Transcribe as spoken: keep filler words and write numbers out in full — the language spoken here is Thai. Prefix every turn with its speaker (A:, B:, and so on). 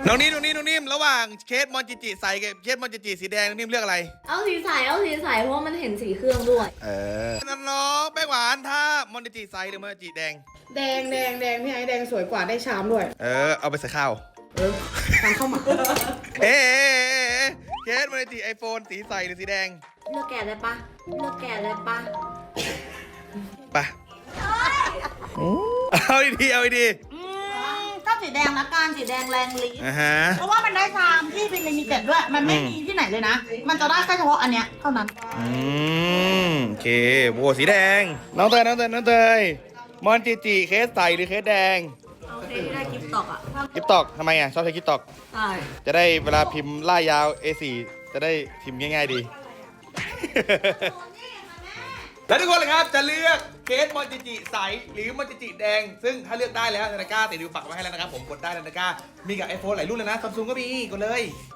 A: น้องนิ่มน้องนิ่มน้องนิ่มระหว่างเคสมอนจิจิใส่กับเคสมอนจิจิสีแดงน้องนิ่มเลือกอะไร
B: เอาสีใสเอาสีใสเพราะว่ามันเห็นสีเครื่องด้วย
A: เออน้องๆแป้งหวานถ้ามอนจิจิใส่หรือมอนจิจิแดง
C: แดงแดงแดงพี่ไอ้แดงสวยกว่าได้ชามด้วย
A: เออเอาไปใส่ข้าว
C: เออทำเข้ามา
A: เอ๊ะเคสมอนจิจิไอโฟนสีใสหรือสีแดง
B: เลือกแกะได้ปะเลือกแกะได้ปะ
A: ไปเอาดีๆเอาดี
D: อืมก็สีแดงละกันสีแดงแรงลิ้น
A: ๆอ่าฮะ
D: เพราะว่ามันได้ชามที่เป็นลิมิเต็ดด้วย มันไม่
A: อืม
D: มีที่ไหนเลยนะ มันจะได้แค่เฉพาะอันเนี้ยเท่านั้น
A: อืมโอเคโบสีแดงน้องเตยน้องเตยน้องเตยมอนจิจิเคสใสหรือเคสแดง
B: โอเคที่ได้กิฟต์ตอกอ่ะ
A: กิฟตอกทำไมอ่ะชอบใช้กิฟตอก
B: ใช่
A: จะได้เวลาพิมพ์ล่ายยาว เอ โฟร์ จะได้พิมพ์ง่ายๆดี แล้วทุกคนเลยครับจะเลือกเคสมอนจิจิใสหรือมอนจิจิแดง ซึ่งถ้าเลือกได้แล้วนาฬิกาติดดูปักไว้ให้แล้วนะครับผมกดได้นาฬิกามีกับ ไอโฟน หลายรุ่นเลยนะซัมซุงก็มีกดเลย